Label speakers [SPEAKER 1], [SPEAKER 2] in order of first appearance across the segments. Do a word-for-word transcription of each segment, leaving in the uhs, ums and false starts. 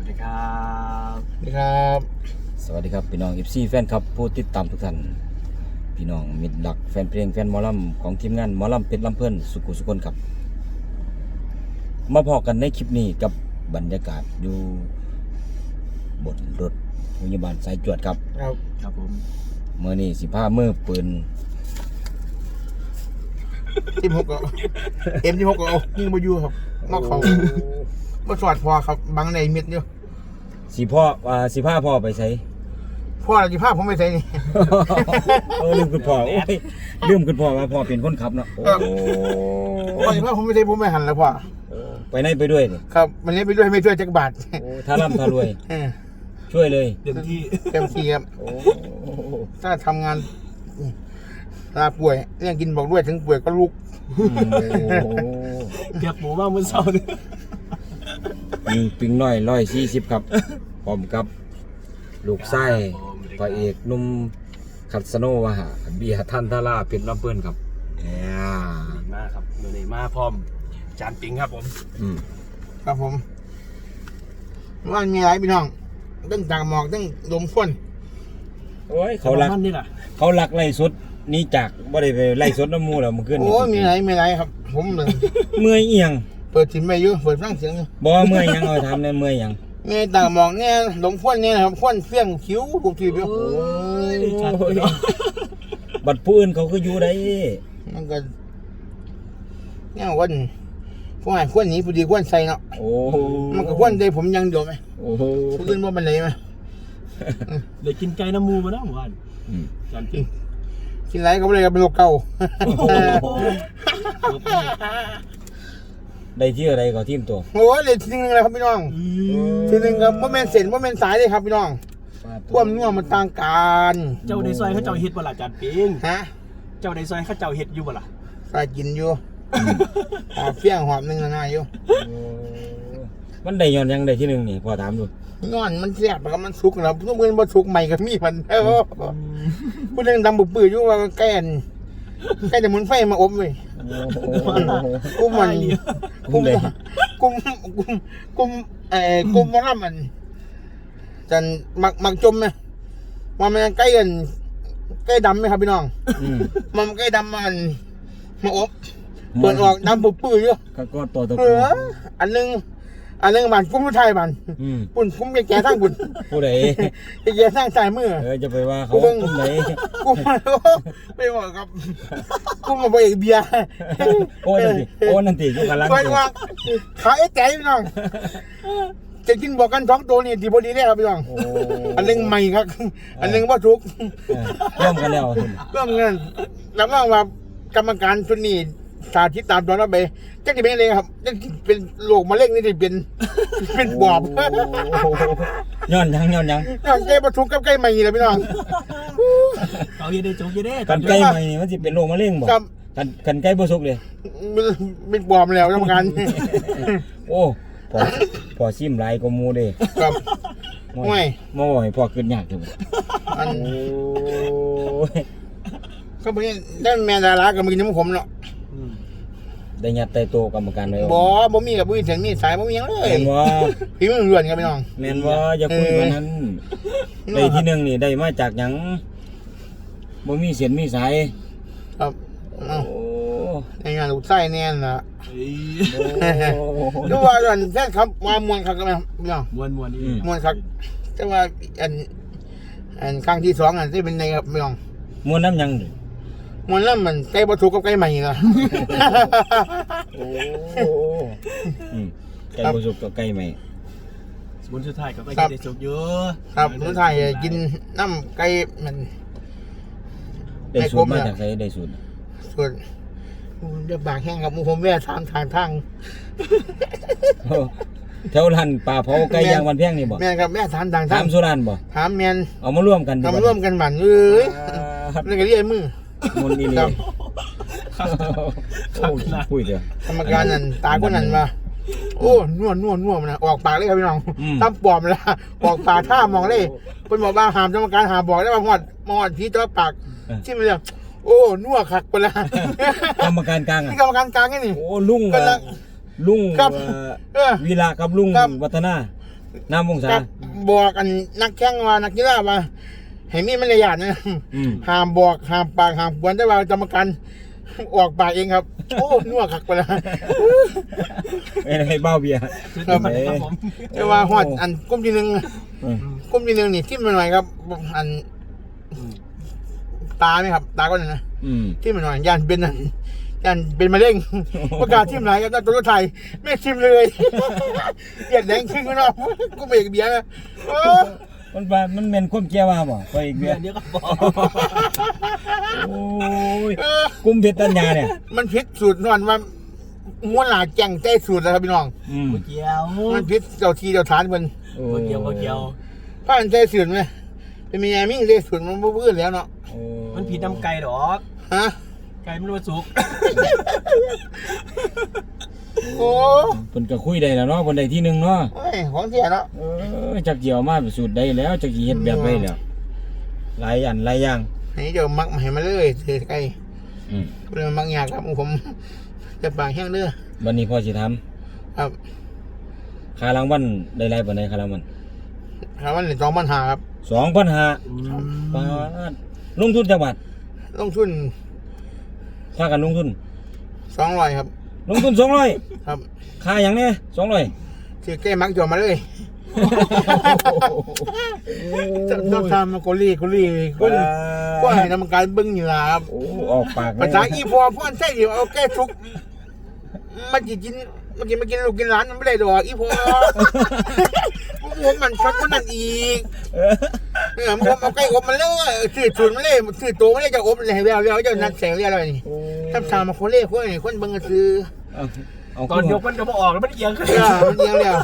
[SPEAKER 1] วัสดีครับ
[SPEAKER 2] สวัสดีครับ
[SPEAKER 3] สวัสดีครับพี่น้อง เอฟ ซี แฟนครับผู้ติดตามทุกท่านพี่น้องมิตรหลักแฟนเพลงแฟนหมอลำของทีมงานหมอลำเพชรลำเพิ่นสุขุสุคนครับมาพอกันในคลิปนี้กับบรรยากาศอยู่บนรถพยาบาลสายจวดครับ
[SPEAKER 2] ครับ
[SPEAKER 1] ครับผม
[SPEAKER 3] เมื่อนี้สิบห้ามือปืน
[SPEAKER 2] ทีมหกก็เอ็มที่หกก็เอายิงมาอยู่ครับนอกเขามาสอดพอครับบังในเม็ดอยู่
[SPEAKER 3] สิพ่อว่าสิพาพ่อไปใช้
[SPEAKER 2] พ่อเราจะพาผมไปใส่นี่
[SPEAKER 3] เออลืมคุณพ่อโอ้ยลืมคุณพ่อว่าพ่อเป็นคนขับเนาะโอ้
[SPEAKER 2] พ่อจะพาผมไปใส่ผมไม่หันแล้วพ่อ
[SPEAKER 3] ไปไหนไปด้วยนี่
[SPEAKER 2] ครับวันนี้ไปด้วยไม่ช่วยจักรบาท
[SPEAKER 3] โอ้ถ้าร่ำถ้ารวย
[SPEAKER 2] เออ
[SPEAKER 3] ช่วยเลย
[SPEAKER 1] เต็มที่
[SPEAKER 2] เต็มที่ครับ
[SPEAKER 3] โอ้
[SPEAKER 2] ถ้าทำงานลาป่วยเรื่องกินบอกด้วยถึงป่วยก็ลุก
[SPEAKER 3] อืมโอ้
[SPEAKER 1] เก็บหมูมาเมื่อเช้าเนี่ย
[SPEAKER 3] มีปิงน้อยร้อยสี่สิบครับพร้อมกับลูกไส้พระเอกหนุ่มคัสโนวาหะเบียร์ท่านทาราเป็นลำเพิ่นครับเนี่ย
[SPEAKER 1] ดีมากครับเมื่อนี้มาพร้อมจานปิงครับผม
[SPEAKER 3] อืม
[SPEAKER 2] ครับผมว่ามีอะไรพี่น้องตั้งจากหมอกตั้งลมพ่น
[SPEAKER 3] โอ้ยเขาหลัก
[SPEAKER 1] มันนี่แหละ
[SPEAKER 3] เขาหลักไล่สดหนี่จากบ่ได้ไปไล่สดน้ำมูแล้วมันขึ้น
[SPEAKER 2] โอ้มีอะไรมีอะไรครับ ผมเลย
[SPEAKER 3] เมื่อยเอียง
[SPEAKER 2] เปิดถิ่นไปอยู่เปิดฟังเสียงอยู่
[SPEAKER 3] บ่เมื่อยหยังเอาทำในเมื่อยหยัง
[SPEAKER 2] เนี่ยต่างหมองเนี่ยหลงพ่นเนี่ยนะครับพ่นเฟี้ยงคิ้วกูทีเดียว
[SPEAKER 1] โอ้ยชัดเนาะ
[SPEAKER 3] บัดผู้อื่นเขาก็อยู่ได้
[SPEAKER 2] มันก็เนี่ยวันพวกไอ้พ่นนี้พอดีพ่นใส่เนาะ
[SPEAKER 3] โอ้
[SPEAKER 2] มันก็พ่นได้ผมยังเดียวไหม
[SPEAKER 3] โอ้โห
[SPEAKER 2] ผู้อื่นว่ามันเลยไหม
[SPEAKER 1] เดี๋ยวกินไก่น้ำมูมาแล้วเมื่อวาน
[SPEAKER 3] อืม
[SPEAKER 1] จานปิง
[SPEAKER 2] กินไรก็ไม่เลยก็เป็นโรคเก่า
[SPEAKER 3] ได้ที่อะไรก็ทีมตัว
[SPEAKER 2] โอ้ยเลยทีนึงเลยครับพี่น้องทีนึงครับว่าแมนเส้นว่าแมนสายเลยครับพี่น้องความนัวมันต่างกัน
[SPEAKER 1] เจ้าในซอยเขาเจ้าเฮ็ดบ่ล่ะจานปิง
[SPEAKER 2] ฮะ
[SPEAKER 1] เจ้าในซอยเขาเจ้าเฮ็ดอยู่บ่ล่ะ
[SPEAKER 2] ใส่กินอยู่หอบเฟี้ยงหอบหนึ่งนะนายอยู่
[SPEAKER 3] โอ้มันได้ย้อนหยังได้ที่หนึ่งนี่พอถามดู
[SPEAKER 2] นอนมันแซ่บแล้วก็มันสุกแล้วทุกมื้อมันสุกใหม่กับมีมันเออพูดเรื่องดำบุบปื้ออยู่ว่าแก่นแก่จะหมุนไฟมาอบเว้ย กุ้มมันกุ้มกุ้มกุ้มกุ้มเอ่อกุ้มมันละมันจันมักมักจมไหมว่ามันใกล้กันใกล้ดำไหมครับพี่น้อง
[SPEAKER 3] อืม
[SPEAKER 2] มันใกล้ดำมันมาอบเปิดออกดำปุบปื้อเยอะ
[SPEAKER 3] ก็ก็ตัวตะ
[SPEAKER 2] เอออันนึงอันนึงมันกุ้มผู้ไทยมัน
[SPEAKER 3] อืม
[SPEAKER 2] ปุ่นกุ้มแก่ๆทั้งปุ่น
[SPEAKER 3] ผู้ใด
[SPEAKER 2] แก่ๆทั้งสายมือ
[SPEAKER 3] เออจะไปว่าเขา
[SPEAKER 2] กูเบิ่ง
[SPEAKER 3] ตุ้มไหน
[SPEAKER 2] กุ้มไม่บอกครับกุ้มมาบอกเอกเบียร์
[SPEAKER 3] โอ้นั่นติโอ้นั่นติอยู่กันลัง
[SPEAKER 2] ไปว่าขายไอ้แก่พี่น้องจะกินบอกกันสองตัวนี่ดีพอดีเลยครับพี่น้อง
[SPEAKER 3] โอ้
[SPEAKER 2] อันหนึงใหม่ครับ อันหนึงว่าทุก
[SPEAKER 3] เออร่วมกันแล้วสิ
[SPEAKER 2] ก็เหมือนกันแล้วก็ว่ากรรมการชุดนี้สาธิตตามตอนนั้นไปจะจะเป็นอะไรครับจะเป็นโรคมะเร็งนี่จะเป็น เป็นบอบ
[SPEAKER 3] โอ้ย้อนหยังย้อนหยัง
[SPEAKER 2] ใกล้ประทุกกับใกล้ใหม่เลยพี่น้อง
[SPEAKER 1] เอาเฮ็ดได้จงเฮ็ดได้
[SPEAKER 3] กันใกล้ใหม่นี่มันสิเป็นโรคมะเร็งบ่
[SPEAKER 2] ครับ
[SPEAKER 3] กันกันใกล้บ่สุกเลย
[SPEAKER 2] เป็นบอบแล้วกรรมการ
[SPEAKER 3] โอ้พอพอซิมหลายกว่าหมู่เด้
[SPEAKER 2] ครับ
[SPEAKER 3] โอ้
[SPEAKER 2] ไม่
[SPEAKER 3] ยมาบ่ให้พ่อขึ้นยากจัง
[SPEAKER 2] อัน
[SPEAKER 3] โอ้ย
[SPEAKER 2] ก็เป็นด้านแมนดารากับมือน้ำผมเนาะ
[SPEAKER 1] อืม
[SPEAKER 3] ได้ยัดไตโตกรรมการเลย
[SPEAKER 2] บอบ่มีกับบุ้ยเสียงมีสายบ่มีหยังเลย
[SPEAKER 3] แม่นบ่
[SPEAKER 2] พี่มันเรือนครับพี่น้อง
[SPEAKER 3] แม่นบ่อย่าคุยกันนั้นได้ที่หนึ่งนี่ได้มาจากหยังบ่มีเสียนมีสาย
[SPEAKER 2] ครับ
[SPEAKER 3] โอ้
[SPEAKER 2] เอ้าในงานลูกไส้แน่นนะ
[SPEAKER 1] เฮ้ย
[SPEAKER 2] ดูว่าอันแค่ครับมามวนครับกันไหมพี่น้อง
[SPEAKER 1] มวนมวนนี่
[SPEAKER 2] มวนครับแต่ว่าอันอันครั้งที่สองอันที่เป็นในครับพี่น้อง
[SPEAKER 3] มวนน้ำหยังดิ
[SPEAKER 2] มวนแล้วมันใกล้ประตูกับใกล้ใหม่นะ
[SPEAKER 3] โอ้อืมไก่บ่สุกก็ไก่ใหม่
[SPEAKER 1] สมุนสุดท้ายก็ไปกินได้จงเยอะ
[SPEAKER 2] ครับทุกท่านกินน้ำไก่มัน
[SPEAKER 3] ได้สูตรมาจากไสได้สูตร
[SPEAKER 2] ส่วนเดือบากแห้งครับหมูผมแม่ทางทางทาง
[SPEAKER 3] โอ้แถวร้านปลาเผาไก่ย่างวันเพียงนี่บ่
[SPEAKER 2] แม่ครับแม่ทางทางทา
[SPEAKER 3] ถาง มสุรานบ่
[SPEAKER 2] ถามแมน
[SPEAKER 3] เอามาร่วมกันดี
[SPEAKER 2] ทำ
[SPEAKER 3] บ่
[SPEAKER 2] ร่วมกันบันเอ้ย
[SPEAKER 3] ครับ
[SPEAKER 2] นี่ก็เรียกมือ
[SPEAKER 3] มนต์อีหลี
[SPEAKER 2] ครับ
[SPEAKER 3] โอ้ยคุยเด้อก
[SPEAKER 2] รรมการนั่นตาคนนั้นมาโอ้นวดนวดนวดมันนะออกปากเลยครับพี่น้องตั้มปลอมละออกปากท่ามองเลยเป็นบอกว่าหามกรรมการหามบอกได้ว่าหอดมอดพีตัวปากชิมเลยโอ้นัวคักไปละ
[SPEAKER 3] กรรมการกลาง
[SPEAKER 2] นี่
[SPEAKER 3] อ่ะ
[SPEAKER 2] กรรมการกลางนี่
[SPEAKER 3] โอ้ลุง
[SPEAKER 2] กำลัง
[SPEAKER 3] ลุง
[SPEAKER 2] ครับ
[SPEAKER 3] เอ่อ
[SPEAKER 2] เออ
[SPEAKER 3] วีระกับลุง
[SPEAKER 2] ครับ
[SPEAKER 3] วัฒนาน้ำวงศา
[SPEAKER 2] กับบอกกันนักแข่งว่านักกีฬาว่าให้มีมารยาทนะ
[SPEAKER 3] อืม
[SPEAKER 2] ห้ามบอกห้ามปากห้ามกวนแต่ว่ากรรมการออกปากเองครับ โอ้นัวคักไปแล้ว
[SPEAKER 3] ไม่ได้เบ้าเบียร์
[SPEAKER 2] ครับ
[SPEAKER 1] ครับผม
[SPEAKER 2] แต่ว่าฮอดอันกลุ่มที่หนึ่ง
[SPEAKER 3] อืม
[SPEAKER 2] กลุ่มที่หนึ่งนี่ทิมมาหน่อยครับ อันตาไหมครับ ตาก็นั่นนะ
[SPEAKER 3] อืม
[SPEAKER 2] ทิมมาหน่อยยันเป็นอันยันเป็นมะเร็งประกาศทิมไหนครับตัวรถไทยไม่ทิมเลยเกียดแดงขึ้นก็นอกกูเบรกเบียร์นะโอ้
[SPEAKER 3] มันว่ามันเป็นความเกี่ยวว่าบ่ไปอีกเบี
[SPEAKER 1] เดี๋
[SPEAKER 3] ย
[SPEAKER 1] ยว
[SPEAKER 3] ร์
[SPEAKER 1] เดี๋ยวก็บอก
[SPEAKER 3] โอ้ย
[SPEAKER 2] เออ
[SPEAKER 3] กุมเพชรตัญญาเนี่ย
[SPEAKER 2] มันพิษสูตรนอนว่าม้วนหลาแจ้งใจสูตรแล้วครับพี่น้อง
[SPEAKER 3] อืม
[SPEAKER 1] เกี่ยว
[SPEAKER 2] มันพิษเจ้าทีเจ้าฐานมัน
[SPEAKER 3] โอ้
[SPEAKER 1] เกี่ยวเกี่ยว
[SPEAKER 2] ป้าอันใจสูตรไหมเป็นมีแอมิ่งใจสูตรมันบ่พื้นแล้วเนาะ
[SPEAKER 3] โอ้
[SPEAKER 1] มันผิดน้ำไก่ดอก
[SPEAKER 2] ฮะ
[SPEAKER 1] ไก่มันว่าสุก
[SPEAKER 2] โอ้
[SPEAKER 3] เพิ่นก็คุยได้แล้วเนาะเพิ่นได้ที่หนึ่งเนาะ
[SPEAKER 2] โอ้ยของเสียเนาะ
[SPEAKER 3] เออจักเกี่ยวมาเป็นสูตรได้แล้วจักสิเฮ็ดแบบไว้แล้วหลายอันหลายอย่าง
[SPEAKER 2] นี่เดี๋ยวมักมาให้มาเลยเถือไก่
[SPEAKER 3] อืม
[SPEAKER 2] เรื่องมักยากครับผมจะปากแห้งเด้อ
[SPEAKER 3] วันนี้พ่อสิทำ
[SPEAKER 2] ครับ
[SPEAKER 3] ค่ารางวัลได้หลายปานใดค่ารางวัล
[SPEAKER 2] ครับวันนี้สองปัญหาครับ
[SPEAKER 3] สองพันห้าร้อยบาทลงทุนจักบาท
[SPEAKER 2] ลงทุน
[SPEAKER 3] ค่ากันลงทุน
[SPEAKER 2] สองร้อยครับ
[SPEAKER 3] ลงทุนสองร้อย
[SPEAKER 2] ครับ
[SPEAKER 3] ค่าหยังเนี่ยสองร้อย
[SPEAKER 2] ถือแก้มักจอมาเลยต้องทำมาโกลี่โกลี่ก็ก็ให้ทำการเบิ้งอยู่ล่ะครับ
[SPEAKER 3] โอ้ออกปากเลย
[SPEAKER 2] ภาษาอีพอพ่อนใช่เดี๋ยวเอาแก้ทุกมันจะกินมันกินมากินลูกกินร้านมันไม่ได้ดอกอีพอผมมันช็อตคนนั้นอีก
[SPEAKER 3] เออ
[SPEAKER 2] เออมันเอาใกล้อบมันแล้วถือชุนมันเลยถือโตมันเลยจะอบเลยแล้วแล้วจะนัดแสงเรียอะไรนี่
[SPEAKER 3] โอ้
[SPEAKER 2] ทำทางมาคนเล่คนนี่คนเบิ้งก็คือ
[SPEAKER 3] เอาเอา
[SPEAKER 1] ตอนยกมันจะมาออกแล้วมันเอียงขึ้น
[SPEAKER 2] เออมันเดียวแล้ว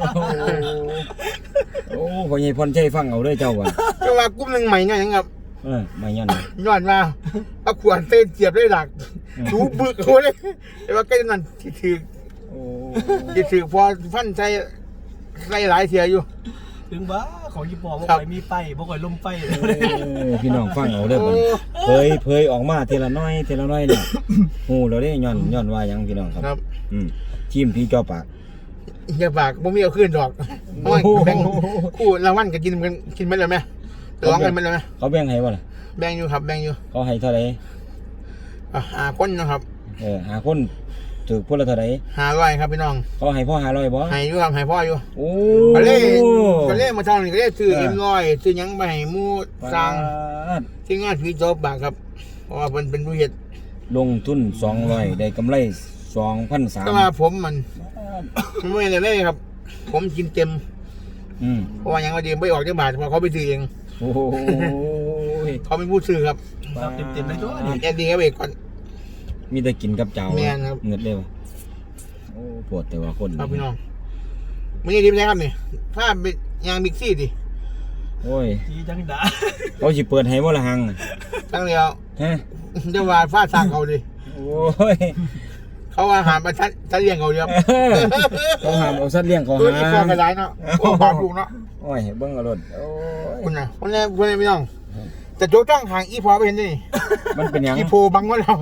[SPEAKER 3] โอ้พ่อใหญ่พรชัยฟังเอาเด้อเจ้าว่ะ
[SPEAKER 2] จังหวะกุ้มหนึ่งใหม่ไงครับ
[SPEAKER 3] เออมายัน
[SPEAKER 2] ย้อนมาเอาขวานเต้นเจียบได้หลักถูบึกเขาเลยแต่ว่าใกล้นั่นที่ถือ
[SPEAKER 3] โอ้
[SPEAKER 2] ที่ถือพอฟันใส่ใส่หลายเสียอยู่
[SPEAKER 1] ถึงบ้าของญี่ปุ่นบ่
[SPEAKER 2] ครับ
[SPEAKER 1] ค่อยมีไฟบ่ค่อยลมไฟเลย
[SPEAKER 3] เออพี่น้องฟังเอาเด้อบัดนี้เผยเผยออกมาทีละน้อยทีละน้อยเนี่ยฮู้แล้วเด้ย้อนย้อนว่าหยังพี่น้องครับ
[SPEAKER 2] ครับ
[SPEAKER 3] อืมทีมพี่จอปาก
[SPEAKER 2] อย่าฝากบ่มีเอาขึ้นดอกเพราะว่าแบ่งคู่รางวัลก็กินกันกินไปเลยไหมร้องกันไปเลยไหม
[SPEAKER 3] เขาแบ่งให้บ่ล่ะ
[SPEAKER 2] แบ่งอยู่ครับแบ่งอยู่
[SPEAKER 3] เขาให้เท่าไหร่
[SPEAKER 2] อ่ะหาคนนะครับ
[SPEAKER 3] เออหาคนถูกพุ่นละเท่าไหร่
[SPEAKER 2] หาร้อยครับพี่น้อง
[SPEAKER 3] เขาให้พ่อห้าร้อยบ่
[SPEAKER 2] ให้อยู่ครับให้พ่ออยู่
[SPEAKER 3] โอ้
[SPEAKER 2] ก็เลยก็เลยมาทำนี่ก็เลยซื้อเอ็มร้อยซื้อหยังไปให้หมู่สร้าง
[SPEAKER 3] ปาด
[SPEAKER 2] ที่งานผีโจ๊บากครับเพราะว่าเป็นเป็นผู้เฮ็ด
[SPEAKER 3] ลงทุนสองร้อยได้กำไรสองพันสาม
[SPEAKER 2] แต่ว่าผมมันมันไม่ได้เลยครับ ผมกินเต็ม
[SPEAKER 3] อืม
[SPEAKER 2] เพราะว่าหยังว่าดีไม่ออกจากบาทเพราะเขาไปซื้อเอง
[SPEAKER 3] โอ้ย
[SPEAKER 2] เขาเป็นผู้ซื้อครับ
[SPEAKER 1] ครับเต็มๆเลยตัวนี่
[SPEAKER 2] แอดดี้ครับเอกก่อน
[SPEAKER 3] มีแต่กินกับเจ้า
[SPEAKER 2] แม่นครับ
[SPEAKER 3] เงินเร็วโอ้ปวดแต่ว่าคน
[SPEAKER 2] ครับพี่น้องไม่ได้ดีไหมครับนี่ถ้าไปยางบิ๊กซี่ดิ
[SPEAKER 3] โอ้ย
[SPEAKER 1] จีจังดา
[SPEAKER 3] เขาสิเปิดให้บ่ละหัง
[SPEAKER 2] ตั้งเดียว
[SPEAKER 3] ฮะ
[SPEAKER 2] จะว่าฟาดสร้างเขาดิ
[SPEAKER 3] โอ้ย
[SPEAKER 2] เขาว่าหามาชัดชัดเลี้ยงเขาเดียว
[SPEAKER 3] เขาห้ามเอาสัตว์เลี้ยงเขา
[SPEAKER 2] ตัวอีก
[SPEAKER 3] หา
[SPEAKER 2] ฟองกระไรเนาะโอ้บาปลูกเนาะ
[SPEAKER 3] โอ้ยเบิ่งเอารถโอ้ย
[SPEAKER 2] คุณน่ะคนนี้คนนี้พี่น้องแต่โจ๊กตั้งหางอีพอไปเห็นดิ
[SPEAKER 3] มันเป็นหยัง
[SPEAKER 2] อีโพบังไว้เรา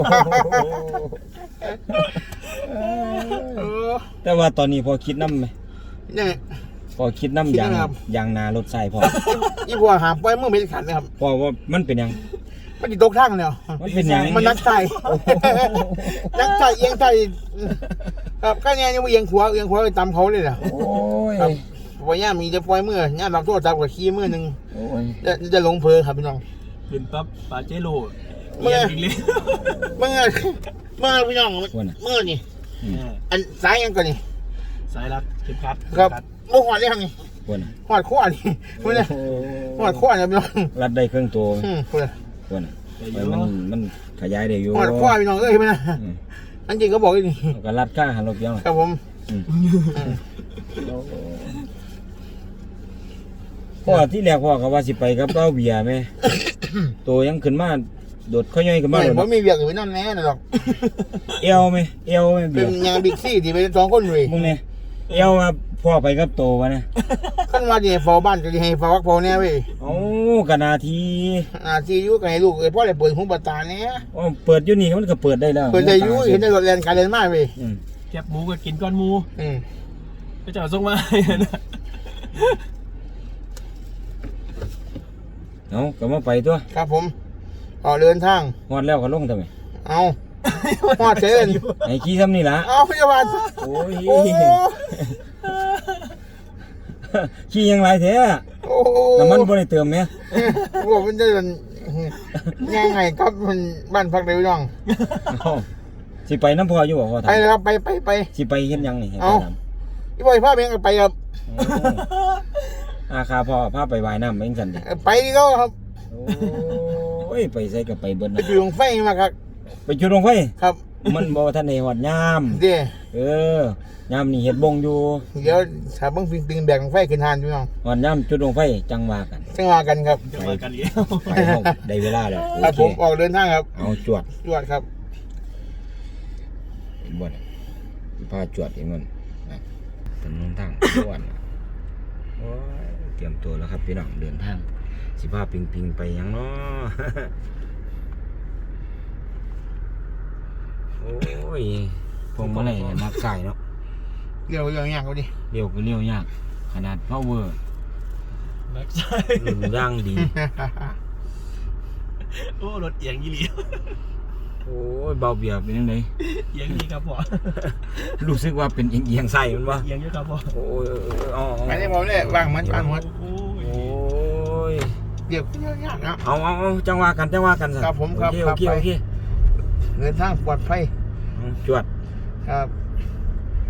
[SPEAKER 2] เออ
[SPEAKER 3] แต่ว่าตอนนี้พอคิดน้ำไหม
[SPEAKER 2] นี่
[SPEAKER 3] พอคิดน้ำ
[SPEAKER 2] คิด
[SPEAKER 3] ยาง
[SPEAKER 2] นะครับ
[SPEAKER 3] ยางนารถใส่พอ
[SPEAKER 2] อีพอหามไปเมื่อไม่ได้ขันนะครับ
[SPEAKER 3] พอว่ามันเป็นหยัง
[SPEAKER 2] มันติดตกทางเนี่ย
[SPEAKER 3] มันเป็นหยัง
[SPEAKER 2] มันนักใจนักใจเอียงใจครับก็เนี่ยยังเอียงขวาเอียงขวาไปตามเขาเลยเหรอ
[SPEAKER 3] โอ้ย
[SPEAKER 2] ครับวันนี้มีจะปล่อยเมื่อย่าบางตัวจับกับขี้เมื่อหนึ่ง
[SPEAKER 3] โอ้ย
[SPEAKER 2] จะจะหลงเพลครับพี่น้อง
[SPEAKER 1] ขึ้นปั๊บปาเจโร่
[SPEAKER 2] เมื่
[SPEAKER 1] เอี
[SPEAKER 2] อ
[SPEAKER 1] ยงอีกเลย
[SPEAKER 2] เมื่อเมื่อพี่น้อง
[SPEAKER 3] ว่าน่ะ
[SPEAKER 2] เมื่อนี่
[SPEAKER 3] อืม
[SPEAKER 2] อันสายยังก่อนนี่
[SPEAKER 1] สายรัดเข็มขัด
[SPEAKER 2] ครับ
[SPEAKER 1] เข็มขัด
[SPEAKER 2] โมหอดเลยครับนี่
[SPEAKER 3] ว่าน่ะ
[SPEAKER 2] หอดขั้วนี่ไม่ได้หอดขั้วเนี่ยพี่น้อง
[SPEAKER 3] รัดได้เครื่องตัว
[SPEAKER 2] อืมคุณ
[SPEAKER 3] ว่าน่ะ
[SPEAKER 1] แต่อ
[SPEAKER 3] เออยู่ มันมันขยายได้อยู่
[SPEAKER 2] หอดขั้วพี่น้องเอ้ยไม่นะ
[SPEAKER 3] อืม
[SPEAKER 2] อันจริงก็บอกอย่างนี้
[SPEAKER 3] แล้วก็รัดข้างหันรถเดียว
[SPEAKER 2] ครับผม
[SPEAKER 3] อืมพ่อที่แรกพ่อก็ว่าสิไปกับเป้าเบียร์ไหม ตัวยังขึ้นมาโดดข้อย่อยขึ้นมา
[SPEAKER 2] ไม่
[SPEAKER 3] โดด
[SPEAKER 2] ผมมีเบียร์อยู่นั่นแน่นะหรอก
[SPEAKER 3] เอวไหมเอวไหม
[SPEAKER 2] เป็
[SPEAKER 3] เบี
[SPEAKER 2] น
[SPEAKER 3] ยร์
[SPEAKER 2] งานบิ๊กซี่ที่เป็นสองคนเลย
[SPEAKER 3] มึงเนี่ยเอวมาพ่อไปกับโตวะเนี่ย
[SPEAKER 2] ขั้นว่าจะให้ฟอบ้านก็จะให้ฟอวักฟอเนี่ยเว้ย
[SPEAKER 3] เอ้ากะนาที
[SPEAKER 2] อาซียูกับให้ลูกเอ้ยพ่อเลยเปิดหูประตาเนี่ย
[SPEAKER 3] อ๋อเปิดอยู่นี่มันก็เปิดได้แล้ว
[SPEAKER 2] เปิดใจยูเห็นได้รถแลนการเดินมากเว้ย
[SPEAKER 3] อืม
[SPEAKER 1] แคบหมูก็กินก้อนหมู
[SPEAKER 2] อืม
[SPEAKER 1] ไปเจ้าส่งมาให้นะ
[SPEAKER 3] เอาก็มาไปตัว
[SPEAKER 2] ครับผมออกเดินทาง
[SPEAKER 3] ฮอดแล้วก็ลงทำไม
[SPEAKER 2] เอาหอดเชิญ
[SPEAKER 3] ไอ้ขี้ซ้ำนี่ล่ะ
[SPEAKER 2] เอาพยาบาล
[SPEAKER 3] โอ้ย
[SPEAKER 2] โอ้
[SPEAKER 3] ขี้ยังไรแท้
[SPEAKER 2] โอ้
[SPEAKER 3] น้ำมันบ่ได้เติมแม่
[SPEAKER 2] โหมันจะเป็นยังไงครับมันบ้านพักเดียวน้อง
[SPEAKER 3] เอ้าสิไปน้ำพออยู่บ่พอ
[SPEAKER 2] ไป
[SPEAKER 3] ถาม
[SPEAKER 2] เลยครับไปไปไป
[SPEAKER 3] สิไปเฮ็ดหยังนี่ให้
[SPEAKER 2] เอ้า
[SPEAKER 3] ไปถาม
[SPEAKER 2] พี่บอยพาเมียไปครับ
[SPEAKER 3] โอ้อาคาพ่อพาไปว่ายน้ำเองซั่นดิ
[SPEAKER 2] ไปดีก็ครับ
[SPEAKER 3] โอ้ยไปใส่ก็ไปเบิด
[SPEAKER 2] ไป
[SPEAKER 3] นะ
[SPEAKER 2] จุดลงไฟมาครับ
[SPEAKER 3] ไปจุดลงไฟ
[SPEAKER 2] ครับ
[SPEAKER 3] มันบ่ทันได้ฮอดยาม
[SPEAKER 2] เดี๋ยว
[SPEAKER 3] เออยามนี่เฮ็ดบงอยู่
[SPEAKER 2] เดี๋ยวถ้าเบิ่งฟิงติงแบกลงไฟขึ้นหานพี่น้อง
[SPEAKER 3] ฮอดยามจุดลงไฟจังว่ากัน
[SPEAKER 2] จังหวะกันครับ
[SPEAKER 1] จะมากันเลี้ยว
[SPEAKER 3] ไปห้องได้เวลาแล้วโอ
[SPEAKER 2] ครับ
[SPEAKER 3] เค
[SPEAKER 2] ผมออกเดินทางครับ
[SPEAKER 3] เอาจวด
[SPEAKER 2] จวดครับ
[SPEAKER 3] เห็นบ่เนี่ยสิพาจวดเองมันนะถนนทางจวดน่ะโอ้ยเตรียมตัวแล้วครับพี่น้องเดินทางสิพาปิงปิงไปหยังเนาะ โอ้ยพวงมาลัยเนี่ยมักใส่เนาะ
[SPEAKER 2] เดี๋ยวเดี๋ยวอย่างเขาดิ
[SPEAKER 3] เลี้ยวก็เลี้ยวยากขนาด power
[SPEAKER 1] แม็กซ์
[SPEAKER 3] หนึ่งย่างดี
[SPEAKER 1] โอ้รถเอียงยี่หลี
[SPEAKER 3] โอ้ยเบาเบียบเป็นยังไง
[SPEAKER 1] เอียงนี่ครับพ่อ
[SPEAKER 3] รู้สึกว่าเป็นเอียงๆใส่มันวะ
[SPEAKER 1] เอียงเยอะครับพ่อ
[SPEAKER 3] โอ้ยเอ๋อา
[SPEAKER 2] ไปได้บอกเลยวางมันวางมัน
[SPEAKER 1] โอ้
[SPEAKER 3] โอ้ย
[SPEAKER 2] เดี๋ยวเดี๋ยวยากนะ
[SPEAKER 3] เอาเอาเอาจังหวะกันจังหวะกันสิ
[SPEAKER 2] ครับผมครับ
[SPEAKER 3] โอเค
[SPEAKER 2] ครั
[SPEAKER 3] โอบ เค
[SPEAKER 2] ไป
[SPEAKER 3] โอเค
[SPEAKER 2] เดินทางปลอดภัย
[SPEAKER 3] เอาจวด
[SPEAKER 2] ครับ